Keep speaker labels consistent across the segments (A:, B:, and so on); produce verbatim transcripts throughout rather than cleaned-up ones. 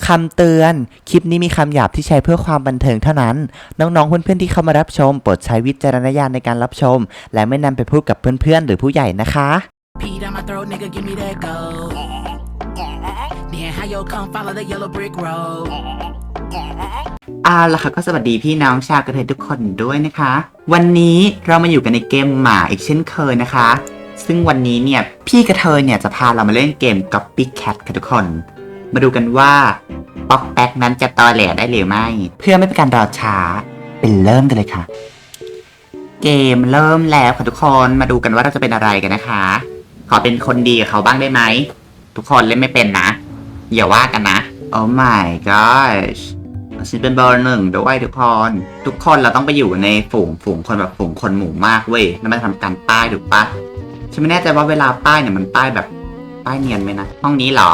A: คำเตือน คลิปนี้มีคำหยาบที่ใช้เพื่อความบันเทิงเท่านั้น น้องๆเพื่อนๆที่เข้ามารับชมโปรดใช้วิจารณญาณในการรับชม และไม่นำไปพูดกับเพื่อนๆหรือผู้ใหญ่นะคะ
B: Pee down my throat, nigga, give me that gold. Then how you come follow the yellow brick road?
A: เอาล่ะค่ะก็สวัสดีพี่น้องชาวกระเทยทุกคนด้วยนะคะ วันนี้เรามาอยู่กันในเกมหมาอีกเช่นเคยนะคะ ซึ่งวันนี้เนี่ยพี่กระเทยเนี่ยจะพาเรามาเล่นเกม Copycat ค่ะทุกคน มาดูกันว่าป๊อกแป๊กนั้นจะตอแหลได้หรือไม่ เพื่อไม่เป็นการรอช้าเป็นเริ่มกันเลยค่ะ เกมเริ่มแล้วค่ะทุกคนมาดูกันว่าเราจะเป็นอะไรกันนะคะ ขอเป็นคนดีกับเขาบ้างได้ไหมทุกคนเล่นไม่เป็นนะอย่าว่ากันนะ Oh my gosh ฉันเป็นเบอร์หนึ่งด้วยทุกคนทุกคนเราต้องไปอยู่ในฝูงฝูงคนแบบฝูงคนหมู่มากเว้ยแล้วมาทำการป้ายถูกปะฉันไม่แน่ใจว่าเวลาป้ายเนี่ยมันป้ายแบบป้ายเนียนไหมนะห้องนี้เหรอ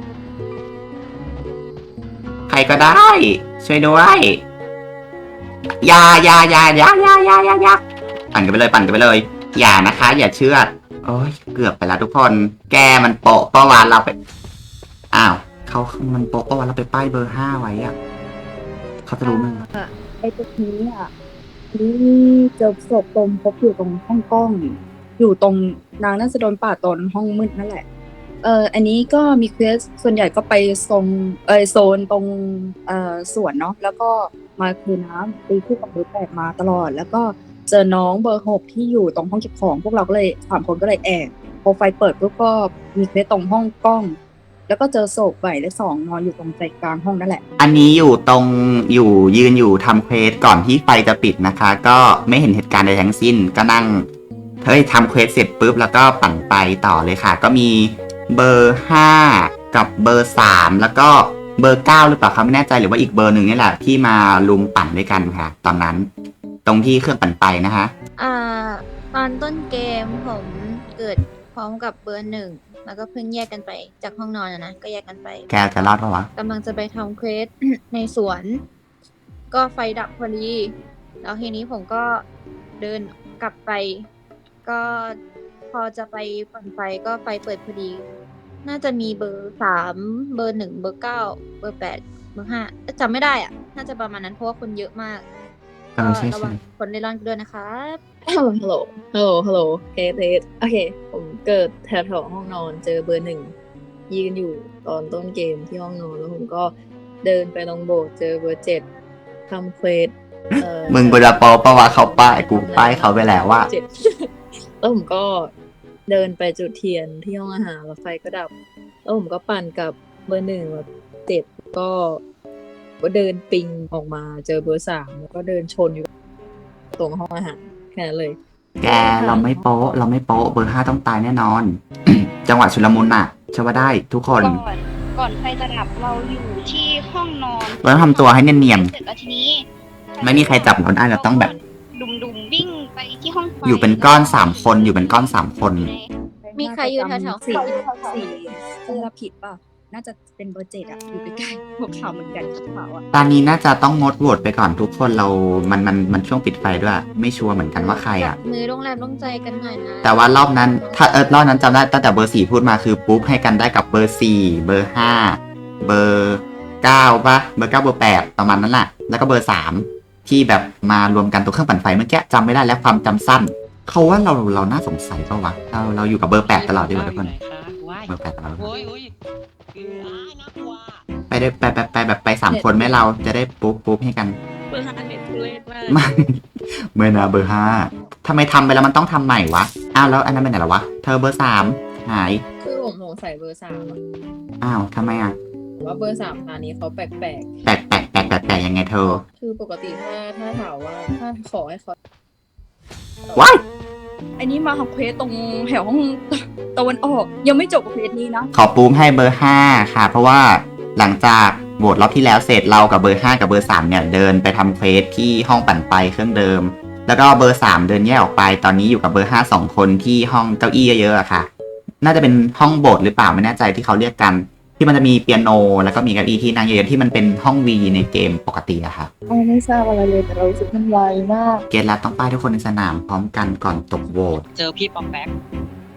A: ใครก็ได้ช่วยด้วยอย่าอย่าอย่าอย่าอย่าอย่าอย่าอย่าปั่นกันไปเลยปั่นกันไปเลยอย่านะคะอย่าเชื่อโอ้ยเกือบไปแล้วทุกคนแกมันโปะประวัติเราไปอ้าวเขามันโปะประวัติเราไปป้ายเบอร์ห้าไว้อะเขาจะรู้มั้ย
C: ไอ้ตัวนี้อ่ะนี่เจอศพตรงพบอยู่ตรงห้องกล้อง อยู่ตรงนางน่าจะโดนป่าดตอนห้องมืดนั่นแหละ เอออันนี้ก็มีเควสส่วนใหญ่ก็ไปโซนเออโซนตรงเอ่อสวนเนาะแล้วก็มาคือน้ำตีคู่กับเบอร์แปดมาตลอด แล้วก็เจอน้องเบอร์หกที่อยู่ตรงห้องเก็บของพวกเราก็เลยสามคนก็เลยแอบพอไฟเปิดปุ๊บก็มีเควสตรงห้องกล้อง แล้วก็เจอศพใบและสองนอนอยู่ตรงใจกลางห้องนั่นแหละ
A: อันนี้อยู่ตรงอยู่ยืนอยู่ทำเควสก่อนที่ไฟจะปิดนะคะ ก็ไม่เห็นเหตุการณ์ใดทั้งสิ้นก็นั่งเฮ้ยทำเควสเสร็จปุ๊บแล้วก็ปั่นไปต่อเลยค่ะ ก็มีเบอร์ห้ากับเบอร์สามแล้วก็เบอร์เก้าหรือเปล่าคะไม่แน่ใจหรือว่าอีกเบอร์หนึ่งนี่แหละที่มาลุมปั่นด้วยกันค่ะ ตอนนั้นตรงที่เครื่องปั่นไปนะคะ
D: อ่าตอนต้นเกมผมเกิดพร้อมกับเบอร์หนึ่งแล้วก็เพิ่งแยกกันไปจากห้องนอนอะนะก็แยกกันไป
A: แกจะรอดปะวะ
D: กำลังจะไปทำเควส ในสวน ก็ไฟดับพอดีแล้วทีนี้ผมก็เดินกลับไป ก็พอจะไปปั่นไฟก็ไฟเปิดพอดี น่าจะมีเบอร์สามเบอร์หนึ่งเบอร์เก้าเบอร์แปดเบอร์ห้าจำไม่ได้อ่ะ น่าจะประมาณนั้นเพราะว่าคนเยอะมาก
A: เออใช่
D: ระ
A: ใช่
D: วังคนเล่ร่อนด้วยนะครับ
C: ฮัลโหล ฮัลโหล ฮัลโหลเทสเทสโอเค ผมเกิดแถวๆห้องนอนเจอเบอร์หนึ่งยืนอยู่ตอนต้นเกมที่ห้องนอนแล้วผมก็เดินไปตรงโบสถ์เจอเบอร์เจ็ดทำเควสเอ่อ
A: มึงเวลาปอปะวะเขาป้ายกูป้ายเขาไปแล้วว่า
C: เจ็ด แล้วผมก็เดินไปจุดเทียนที่ห้องอาหารแล้วไฟก็ดับ แล้วผมก็ปั่นกับเบอร์หนึ่งแบบเจ็ดก็ก็เดินปิงออกมาเจอเบอร์สามแล้วก็เดินชนอยู่ตรงห้องอาหารแค่นั้นเลย
A: แกเราไม่โป๊ะเราไม่โป๊ะเบอร์ห้าต้องตายแน่นอน จังหวะชุลมุนน่ะเชื่อว่าได้ทุกคน
E: ก่อนก่อนไฟจะดับเราอยู่ที่ห้องนอน
A: เราต้องทำตัวให้เนียน
E: เสร็จแล้วทีนี้
A: ไม่มีใครจับเราได้เราต้องแบบ
E: ดุมดุมๆวิ่งไปที่ห้องไฟ
A: ๆอยู่เป็นก้อนสามคนอยู่เป็นก้อนสามคน
D: มีใครอยู่แถวๆ
C: สี่สี่เสื้อผิดป่ะ น่าจะเป็นเบอร์เจ็ดอะอยู่ใกล้ๆพวกขาวเหมือนกันขาวอะ
A: ตอนนี้น่าจะต้องงดโหวตไปก่อนทุกคนเรามันมันมันช่วงปิดไฟด้วย ไม่ชัวร์เหมือนกันว่าใครอ่ะ
D: มือโรงแรมโรงใจกันหน่อยนะ
A: แต่ว่ารอบนั้นถ้าเออรอบนั้นจำได้ตั้งแต่เบอร์สี่พูดมาคือปุ๊บให้กันได้กับเบอร์สี่เบอร์ห้าเบอร์เก้าป่ะเบอร์เก้าเบอร์แปดประมาณนั้นแหละแล้วก็เบอร์สามที่แบบมารวมกันตัวเครื่องปั่นไฟเมื่อกี้จำไม่ได้แล้วความจำสั้นเขาว่าเราเราน่าสงสัยเปล่าวะเราเราอยู่กับเบอร์แปดตลอดดีกว่าทุกคนเบอร์แปดตลอด
F: โอ้ยโอ้ยคืออ้ายน่ากลัว
A: ไปได้ไปไปไปแบบไปสามคนไหมเราจะได้ปุ๊บปุ๊บให้กัน
C: เบอร์ห้าเน็ตทุเรศมาก
A: ไม่เมื่อนะเบอร์ห้าทำไมทำไปแล้วมันต้องทำใหม่วะอ้าวแล้วอันนั้นเป็นไหนล่ะวะเธอเบอร์สามหาย
C: คือผมสงสัยเบอร์สามอะ
A: อ้าวทำไมอ่ะ
C: ว่าเบอร์สามตอนนี้เขาแปลก
A: แปลกแปลกแปลกแปลกแปลกยังไงเธอ
C: ๆ คือปกติถ้าถ้าถามว่าถ้าขอให้เขา
A: ว้าย
C: อันนี้มาทำเควสตรงแถวห้องตะวันออกยังไม่จบกับเควสนี้นะ
A: ขอปูมให้เบอร์ห้าค่ะ เพราะว่าหลังจากโหวตรอบที่แล้วเสร็จเรากับเบอร์ห้ากับเบอร์สามเนี่ยเดินไปทำเควสที่ห้องปั่นไฟเครื่องเดิม แล้วก็เบอร์สามเดินแยกออกไปตอนนี้อยู่กับเบอร์ห้าสองคนที่ห้องเก้าอี้เยอะๆอะค่ะ น่าจะเป็นห้องโบสถ์หรือเปล่าไม่แน่ใจที่เขาเรียกกัน ที่มันจะมีเปียโนแล้วก็มีเก้าอี้ที่นั่งเยอะๆที่มันเป็นห้องวีในเกมปกติอะค่ะ
C: เราไม่ทราบอะไรเลยแต่เรารู้สึกมันไวมาก
A: เกตแล้วต้องป้ายทุกคนในสนามพร้อมกันก่อนตกโหวต
F: เจอพี่ปอมแป๊ก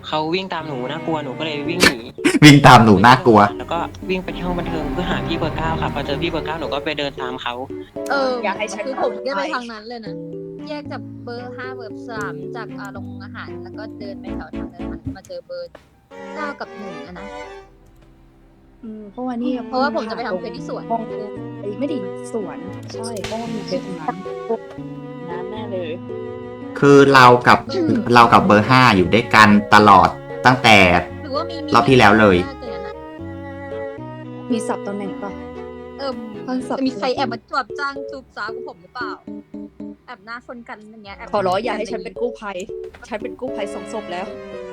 F: เขาวิ่งตามหนูน่ากลัวหนูก็เลยวิ่งหนี
A: วิ่งตามหนูน่ากลัว
F: แล้วก็วิ่งไปที่ห้องบันเทิงเพื่อหาพี่เบอร์เก้าค่ะพอเจอพี่เบอร์เก้าหนูก็ไปเดินตามเขา
D: เออ
C: อยากให้ฉัน
D: คือผมแยกไป
C: ไป
D: ทางนั้นเลยนะ แยกจากเบอร์ห้าเบอร์สามจากอาโรงอาหาร แล้วก็เดินไปแถวทางเดินหันมาเจอเบอร์เก้ากับหนึ่งอะนะ
C: อืมเพราะว่านี่
D: เพราะว่าผมจะไปทำเควสที่สวน
C: ห้องไอ้ไม่ไดีสวนใช่เพราะว่ามีเควสตรงนั้นนั้นแน่เลย
A: คือเรากับเรากับเบอร์ห้าอยู่ด้วยกันตลอดตั้งแต่
D: หรือว่ามีมี
A: รอบที่แล้วเลย
D: น่าจะอย่างนั้นอะ
C: มีสับตำแหน่งปะ
D: เออ
C: ท่านสับ
D: จะมีใครแอบมาจวบจ้างจูบสาวกับผมหรือเปล่า แอบหน้าคนกันอย่างเงี้ยแบ
C: ขอร้องอย่าให้ฉันเป็นกู้ภัย ฉันเป็นกู้ภัยสองศพแล้ว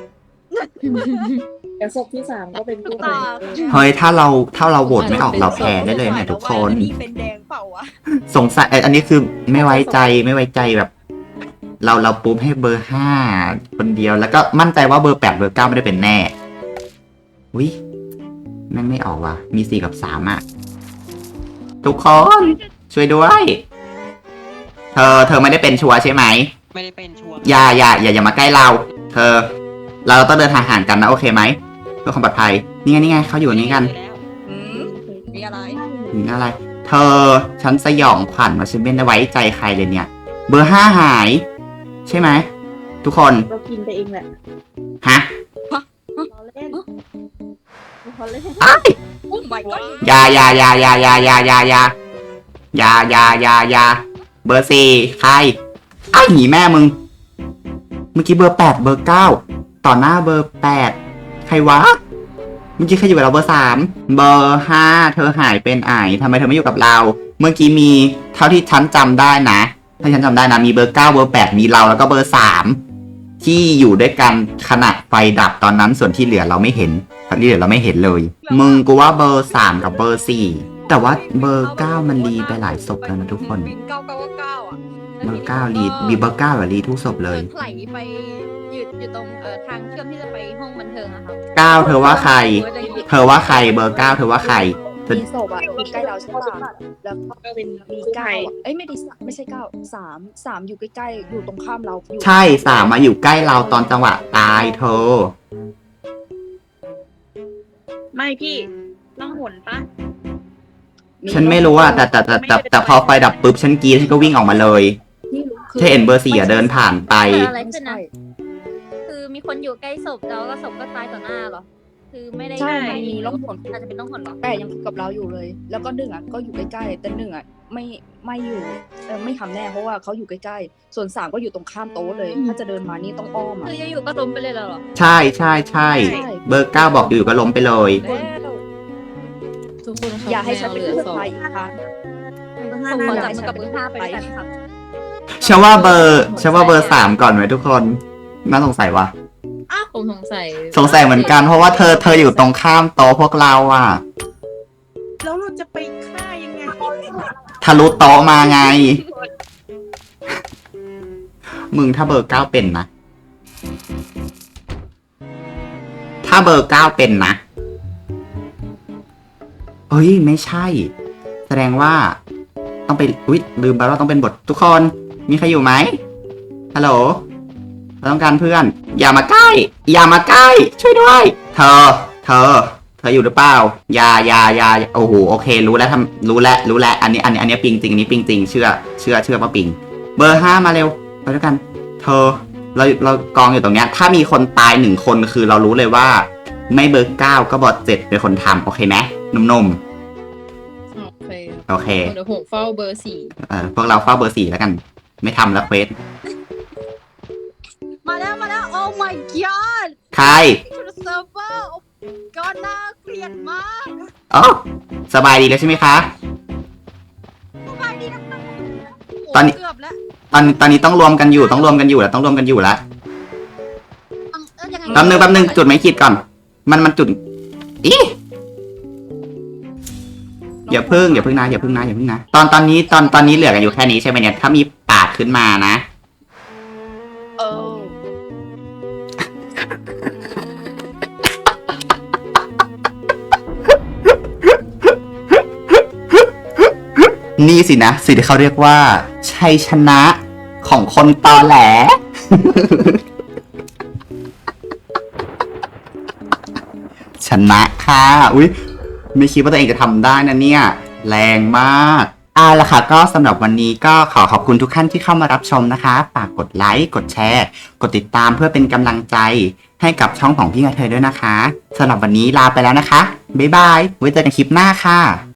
G: เดี๋ยวศพที่สามก็เป็นกู้ภั
D: ตาย
A: เฮ้ยถ้าเราถ้าเราโหวตไม่ออกเราแพ้ได้เลยเนี่ยทุกคน
C: นี่เป็นแดงเปล่าวะ
A: สงสัยเอ่ออันนี้คือไม่ไว้ใจไม่ไว้ใจแบบ เราเราปุ๊บให้เบอร์ห้าคนเดียวแล้วก็มั่นใจว่าเบอร์แปดเบอร์เก้าไม่ได้เป็นแน่วิแม่งไม่ออกว่ะมีสี่กับสามอ่ะ ทุกคนช่วยด้วย เธอเธอไม่ได้เป็นชัวร์ใช่ไหม
F: ไม่ได้เป็นชัวร์
A: อย่าอย่าอย่าอย่ามาใกล้เรา เธอ เราต้องเดินทางห่างกันนะโอเคไหมเพื่อความปลอดภัยนี่ไงนี่ไงเขาอยู่นี่กัน
F: แล้ว
C: อืมมีอะไร
A: ถึงอะไร เธอ ฉันสยองขวัญว่าฉันไม่ได้ไว้ใจใครเลยเนี่ย เบอร์ห้าหาย ใช่ไหม ทุกคน
G: เรากินไปเองแหละ
A: ฮะ
G: เราเล่นเราเล่น
A: อ้าย
C: โอ้ my god
A: อยาอยาอยาอยาอยาอยาอยาอยาอยาอยาอยาอยาเบอร์สี่ใครอ้ายหนีแม่มึง เมื่อกี้เบอร์แปดเบอร์เก้าต่อหน้าเบอร์แปดใครวะ เมื่อกี้ใครอยู่กับเราเบอร์สามเบอร์ห้าเธอหายเป็นไอทำไมเธอไม่อยู่กับเรา เมื่อกี้มีเท่าที่ฉันจำได้นะ ถ้าฉันจำได้นะมีเบอร์เก้าเบอร์แปดมีเราแล้วก็เบอร์สามที่อยู่ด้วยกันขณะไฟดับตอนนั้นส่วนที่เหลือเราไม่เห็นที่เหลือเราไม่เห็นเลย มึงกูว่าเบอร์สามกับเบอร์สี่แต่ว่าเบอร์เก้ามันรีไปหลายศพแล้วนะทุกคน
D: เก้าเก้าเก้าอ่ะ
A: เบอร์เก้ารีมีเบอร์เก้าอะรีทุกศพเลย
D: ไหลไปอยู่อยู่ตรงเอ่อทางเชื่อมที่จะไปห้องบันเทิงอะครับ
A: เก้าเธอว่าใคร เธอว่าใครเบอร์เก้าเธอว่าใคร
C: มีศพอ่ะอยู่ใกล้เราใช่ปะแล้วก็เป็นมีเก้าอะเอ้ยไม่ดีไม่ใช่เก้าสามสามอยู่ใกล้ๆอยู่ตรงข้ามเราอยู่
A: ใช่สามมาอยู่ใกล้เราตอนจังหวะตายเธอ
G: ไม่พี่ต้องหนปะ
A: ฉันไม่รู้อะแต่แต่แต่แต่แต่พอไฟดับปุ๊บฉันกรีดฉันก็วิ่งออกมาเลย
C: ที่รู้คือ
A: เธอเห็นเบอร์สี่อะเดินผ่านไป
D: เกิดอะไรขึ้นนะ
C: ใช่
D: คือมีคนอยู่ใกล้ศพแล้วก็ศพก็ตายต่อหน้าเหรอ คือไม่ได้
C: ใช่
D: ไม่
C: มันมีร่องหน
D: อาจจะเป็นร่องหนเหรอ
C: แต่ยังอยู่กับเราอยู่เลย แล้วก็หนึ่งอ่ะก็อยู่ใกล้ๆแต่หนึ่งอ่ะไม่ไม่อยู่เออไม่ทำแน่เพราะว่าเขาอยู่ใกล้ๆส่วนสามก็อยู่ตรงข้ามโต๊ะเลย ถ้าจะเดินมานี่ต้องอ้อมอ่ะ
D: คือจะอยู่ก็ล้มไปเลยเหรอ
A: ใช่ใช่ใช่เบอร์เก้าบอกอยู่ก็ล้มไปเลย
G: ทุกคนครับ
C: อย่าให้ฉันเป็น
G: แมว
C: ผู้
G: เหลือสอง
C: ชายอีกครั้ง
D: ผมขอจับมือกับเบอร์ห้าไปด้วยกันครับ
A: ฉันว่าเบอร์ฉันว่าเบอร์สามก่อนไหมทุกคนน่าสงสัยวะ
G: ผมสงสัย
A: สงสัยเหมือนกันเพราะว่าเธอเธออยู่ตรงข้ามโต๊ะพวกเราอะ
G: แล้วเราจะไปฆ่ายังไง
A: ทะลุโต๊ะมาไง มึงถ้าเบอร์เก้าเป็นนะ ถ้าเบอร์เก้าเป็นนะเฮ้ยไม่ใช่ แสดงว่า ต้องไปอุ๊ยลืมไปว่าต้องเป็นบททุกคน มีใครอยู่ไหมฮัลโหลเราต้องการเพื่อน อย่ามาใกล้ อย่ามาใกล้ ช่วยด้วย เธอ เธอ เธออยู่หรือเปล่าอย่าอย่าอย่าโอ้โหโอเค รู้แล้วทำรู้แล้วรู้แล้วอันนี้อันนี้อันนี้ปิงจริงอันนี้ปิงจริงเชื่อเชื่อเชื่อว่าปิง เบอร์ห้ามาเร็วไปด้วยกัน เธอ เราเรากองอยู่ตรงเนี้ย ถ้ามีคนตายหนึ่งคนคือเรารู้เลยว่า ไม่เบอร์เก้าก็เบอร์เจ็ดเป็นคนทำโอเคไหมนุ่ม
G: โอเค
A: ๆโอเค
G: เดี๋ยวผมเฝ้าเบอร์สี่
A: เออพวกเราเฝ้าเบอร์สี่แล้วกัน ไม่ทำแล้วเควส
D: มาแล้วมาแล้ว โอ้ my god
A: ใคร
D: to the server โอ้ god น่าเกลียดมาก
A: อ๋อสบายดีแล้วใช่ไหมคะ
D: สบายดีนะ
A: ตอนนี้
D: เกือบแล้ว
A: ตอนตอนนี้ต้องรวมกันอยู่ต้องรวมกันอยู่แล้วต้องรวมกันอยู่แล้ว
D: เอ้ยยังไง
A: แป๊บนึงแป๊บนึงจุดไม่คิดก่อน มันมันจุดอีอย่าพึ่งอย่าพึ่งนะอย่าพึ่งนะอย่าพึ่งนะตอนตอนนี้ตอนตอนนี้เหลือกันอยู่แค่นี้ใช่ไหมเนี่ยถ้ามีปาดขึ้นมานะ
C: เออ
A: นี่สินะสิ่งที่เขาเรียกว่าชัยชนะของคนตอแหลนะค่ะ อุ๊ยไม่คิดว่าตัวเองจะทำได้นะเนี่ย แรงมากเอาล่ะค่ะก็สำหรับวันนี้ก็ขอขอบคุณทุกท่านที่เข้ามารับชมนะคะฝากกดไลค์กดแชร์กดติดตามเพื่อเป็นกำลังใจให้กับช่องของพี่กระเทยด้วยนะคะสำหรับวันนี้ลาไปแล้วนะคะบ๊ายบายไว้เจอกันคลิปหน้าค่ะ